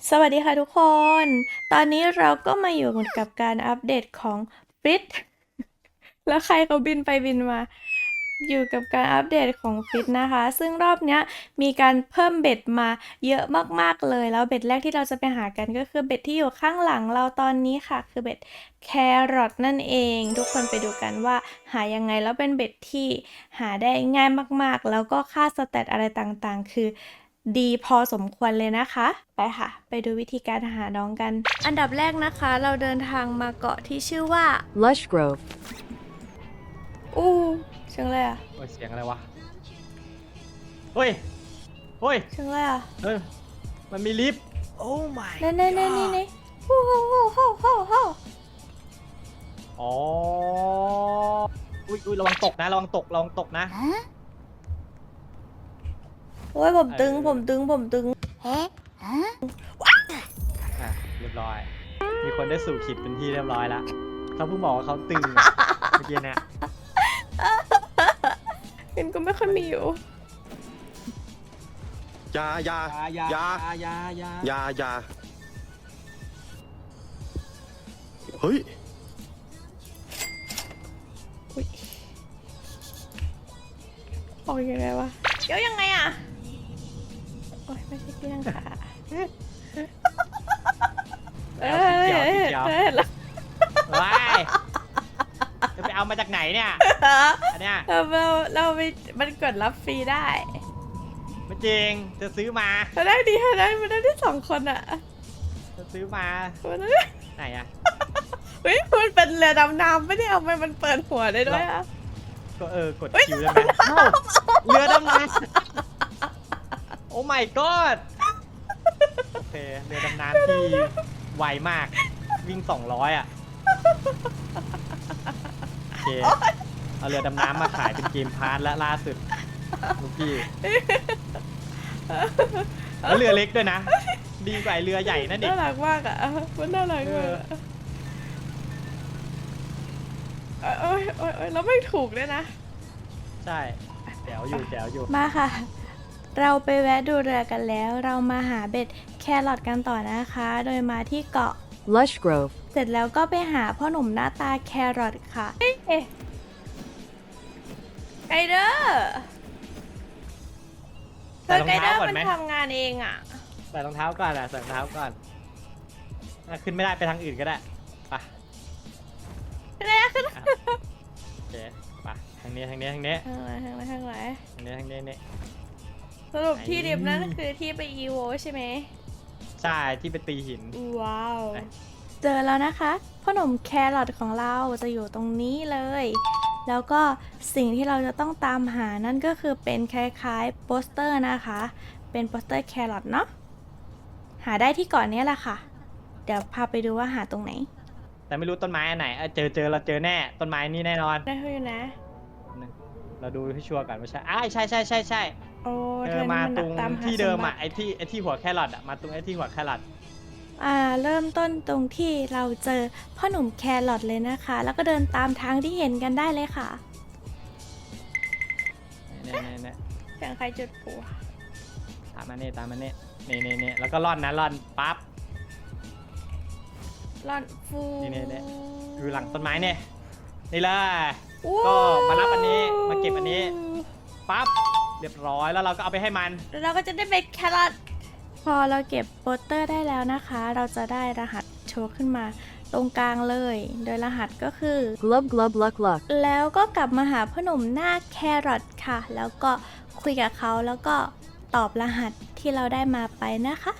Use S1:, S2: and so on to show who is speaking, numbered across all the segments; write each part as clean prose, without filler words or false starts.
S1: สวัสดีค่ะทุกคน ตอนนี้เราก็มาอยู่กับการอัปเดตของฟิต แล้วใครเขาบินไปบินมา อยู่กับการอัปเดตของฟิตนะคะ ซึ่งรอบเนี้ยมีการเพิ่มเบ็ดมาเยอะมากๆเลย แล้วเบ็ดแรกที่เราจะไปหากันก็คือเบ็ดที่อยู่ข้างหลังเราตอนนี้ค่ะ คือเบ็ดแครอทนั่นเอง ทุกคนไปดูกันว่าหายังไง แล้วเป็นเบ็ดที่หาได้ง่ายมากๆ แล้วก็ค่าสแตทอะไรต่างๆ คือดีพอสมควรเลยนะคะ ไปค่ะ ไปดูวิธีการหาน้องกัน อันดับแรกนะคะ เราเดินทางมาเกาะที่ชื่อว่า
S2: Lush Grove
S1: อู้เชิงเลยอ่ะ
S3: โอ้ยเสียงอะไรวะ เฮ้ย เฮ้ย
S1: เชิงเลยอ่ะ
S3: เฮ้ย มันมีลิฟต์ Oh my
S1: นี่โอ้โห
S3: อ๋อ อุ้ยระวังตกนะ ระวังตกนะ
S1: โอ้ยผมตึง
S3: อ่ะ เรียบร้อย มีคนได้สู่ขีดเป็นที่เรียบร้อยแล้วเขาเพิ่งบอกว่าเขาตึงอะเมื่อกี้เนี่ย
S1: เห็นก็ไม่ค่อยมีอยู่
S4: อยาอยาอยาอยาเฮ้ย
S1: ออกยังไงวะเดี๋ยวยังไงอ่ะ โอ้ยไม่ใช่เกี้ยงค่ะ
S3: แล้วสีเขียวสีเขียว
S1: เห็นแล้ว
S3: ว้ายจะไปเอามาจากไหนเนี่ย อันเนี้ย
S1: เราไปมันกดรับฟรีได้
S3: ไม่จริง จะซื้อมา
S1: เราได้ดีเราได้มันได้ที่2 คนอ่ะ
S3: จะซื้อมา
S1: มันได้
S3: ไหนอะ
S1: เฮ้ยมันเป็นเรือดำน้ำไม่ได้เอาไปมันเปิดหัวได้ด้วยอ่ะ
S3: ก็กดคิวได้ไหมเอ้าเรือดำน้ำโอ้ my god โอเค เรือดำน้ำที่ไวมาก วิ่ง200อ่ะ โอเค เอาเรือดำน้ำมาขายเป็นเกมพาร์ทและล่าสุดลูกพี่แล้วเรือเล็กด้วยนะ ดีกว่าไอ้เรือใหญ่นั่นอีก
S1: น่ารักมากอ่ะมันน่ารักมากโอ้ยแล้วไม่ถูกด้วยนะ
S3: ใช่แจ๋วอยู่
S1: มาค่ะ เราไปแวะดูเรือกันแล้ว เรามาหาเบ็ดแครอทกันต่อนะคะ โดยมาที่เกาะ
S2: Lush Grove
S1: เสร็จแล้วก็ไปหาพ่อหนุ่มหน้าตาแครอทค่ะไกเดอร์เธอไกเดอร์มันทำงานเองอ่ะ
S3: ใส่รองเท้าก่อนใส่รองเท้าก่อนขึ้นไม่ได้ไปทางอื่นก็ได้ไป
S1: อะไรอะขึ้น
S3: โอเคไปทางนี้
S1: ทางไหน
S3: นี่
S1: สรุปที่ดิบนั่นคือที่ไปอีโวใช่ไหม
S3: ใช่ที่ไปตีหิน
S1: ว้าว เจอแล้วนะคะพ่อหนุ่มแครอทของเราจะอยู่ตรงนี้เลย แล้วก็สิ่งที่เราจะต้องตามหานั่นก็คือเป็นคล้ายๆโปสเตอร์นะคะ เป็นโปสเตอร์แครอทเนาะ หาได้ที่เก่อนนี้แหละค่ะ เดี๋ยวพาไปดูว่าหาตรงไหน
S3: แต่ไม่รู้ต้นไม้อันไหนเจอเราเจอแน่ต้นไม้นี่แน่นอน
S1: ได้อยู่นะ
S3: เราดูให้ชัวร์ก่อนว่าใช่ใช่
S1: โอ้
S3: มาตรง
S1: ตามหา
S3: ที่เดิม
S1: สบั
S3: อ่ะ
S1: ติ
S3: ไอ้ที่หัวแครอทอ่ะมาตรงไอ้ที่หัวแครอท
S1: เริ่มต้นตรงที่เราเจอพ่อหนุ่มแครอทเลยนะคะ แล้วก็เดินตามทางที่เห็นกันได้เลยค่ะ
S3: เนี่ย
S1: เสียงใครจุดปู
S3: ตามมาเนี่ยนี่แล้วก็ร่อนปั๊บ
S1: ร่อนฟู
S3: นี่อยู่หลังต้นไม้เนี่ยนี่เลย
S1: อู้
S3: ก็มารับอันนี้มาเก็บอันนี้ปั๊บเรียบร้อยแล้วเราก็เอาไปให้มัน
S1: แล้วเราก็จะได้เป็นแครอทพอเราเก็บโปสเตอร์ได้แล้วนะคะ เราจะได้รหัสโชว์ขึ้นมาตรงกลางเลย โดยรหัสก็คือ
S2: Glub Glub Luck Luck
S1: แล้วก็กลับมาหาพ่อหนุ่มหน้าแครอทค่ะ แล้วก็คุยกับเขาแล้วก็ตอบรหัสที่เราได้มาไปนะคะ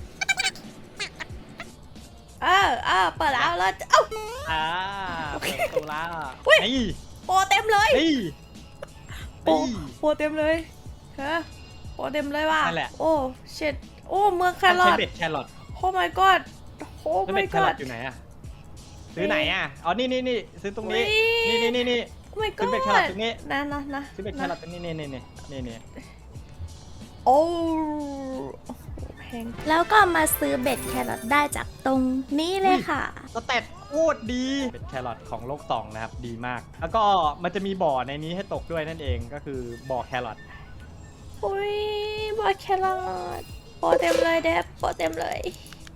S1: เปิดแล้วเราจะเ
S3: เปิดประตูแล้ว
S1: อุ๊ย
S3: นี่
S1: โปรเต็มเลย
S3: นี่
S1: โปรเต็มเลยฮะโปรเต็มเลยว่ะ
S3: นั่นแหละ
S1: โอ้เช็ดโอ้เมืองแครอ
S3: ใช้
S1: ท
S3: เบ็ดแครอท
S1: โอ้ my god โอ้
S3: แล้ว
S1: my
S3: เบ็ดแครอ
S1: god
S3: ทอยู่ไหนอะซื้อไหนอะอ๋อนี่ซื้อตรงนี้
S1: อุ๊ย
S3: นี่
S1: โอ้ my
S3: ซื้อเบ็ดแค
S1: god
S3: รอทตรงนี้
S1: นะ
S3: ซื้อเบ็ดแครอทตรงนี้นี่
S1: โอ้แพงแล้วก็มาซื้อเบ็ดแครอทได้จากตรงนี้เลยค่ะ
S3: สเตตโคตรดีเป็นแครอทของโลก2นะครับดีมาก แล้วก็มันจะมีบ่อในนี้ให้ตกด้วยนั่นเองก็คือบ่อแครอท
S1: อุ้ยบอดแครอทโปรเต็มเลยเดฟโปรเต็มเลย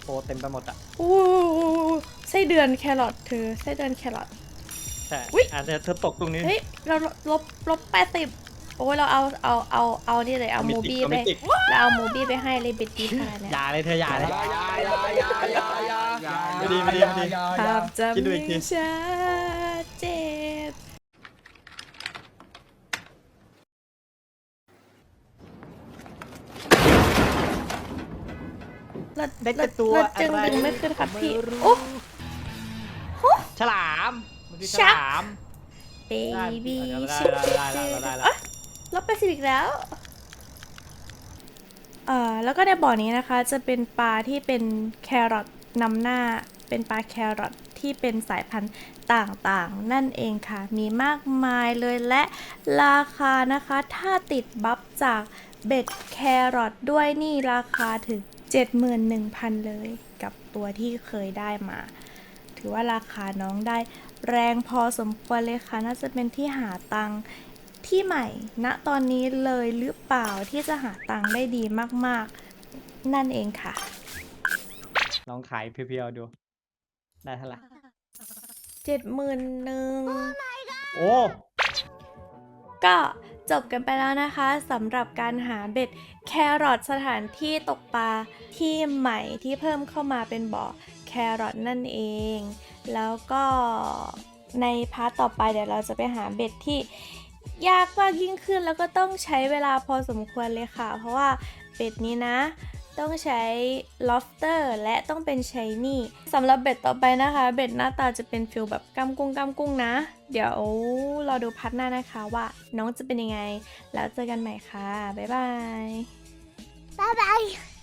S3: โปรเต็มไปหมดอ่ะ
S1: อู้ไส้เดือนแครอทเธอไส้เดือนแครอท
S3: ใช่
S1: อุ๊ย
S3: อาจจะเธอตกตรงนี้
S1: เฮ้ย เราลบ80 โอ้ยเราเอานี่เลยเอาโมบี้ไปเราเอาโมบี้ไปให้เลยเบ็ดดีขนาดเนี้ย
S3: อย่าเลยเธออย่าเลย
S4: อย่า
S3: ไม่ดีไม่ดีไม่ดี
S1: ภาพจำ
S3: คิดดูอีกที
S1: ยังชัดเจนเลิศ
S3: ได้แต่ตัว
S1: เลิศจึง
S3: อะไร
S1: ดึงไม่ขึ้นครับพี่
S3: ไม่รู้
S1: โอ้
S3: ฉลามมันคือฉ
S1: ชัก
S3: ลาม
S1: เบบี้
S3: ได้
S1: ชิค
S3: ได้แล้ว
S1: ลบไปสิอีกแล้ว แล้วก็ในบ่อนี้นะคะจะเป็นปลาที่เป็นแครอทนำหน้า เป็นปลาแครอทที่เป็นสายพันธุ์ต่างๆ นั่นเองค่ะ มีมากมายเลยและราคานะคะ ถ้าติดบัฟจากเบ็ดแครอทด้วยนี่ราคาถึง 71,000 เลยกับตัวที่เคยได้มา ถือว่าราคาน้องได้แรงพอสมควรเลยค่ะ น่าจะเป็นที่หาตังค์ที่ใหม่ ณ ตอนนี้เลยหรือเปล่าที่จะหาตังค์ได้ดีมากๆ นั่นเองค่ะ
S3: ลองขายเพียวๆดู ได้เท่าไหร่
S1: 71,000
S3: โอ้
S1: ก็จบกันไปแล้วนะคะสำหรับการหาเบ็ดแครอทสถานที่ตกปลาที่ใหม่ที่เพิ่มเข้ามาเป็นบ่อแครอทนั่นเอง แล้วก็ในพาร์ทต่อไปเดี๋ยวเราจะไปหาเบ็ดที่ยากมากยิ่งขึ้นแล้วก็ต้องใช้เวลาพอสมควรเลยค่ะ เพราะว่าเบ็ดนี้นะ ต้องใช้ lobster และต้องเป็น shiny สำหรับเบ็ดต่อไปนะคะ เบ็ดหน้าตาจะเป็นฟิลแบบกำกุ้งนะ เดี๋ยวเราดูพัดหน้านะคะว่าน้องจะเป็นยังไง แล้วเจอกันใหม่ค่ะ บ๊ายบาย
S5: 拜拜。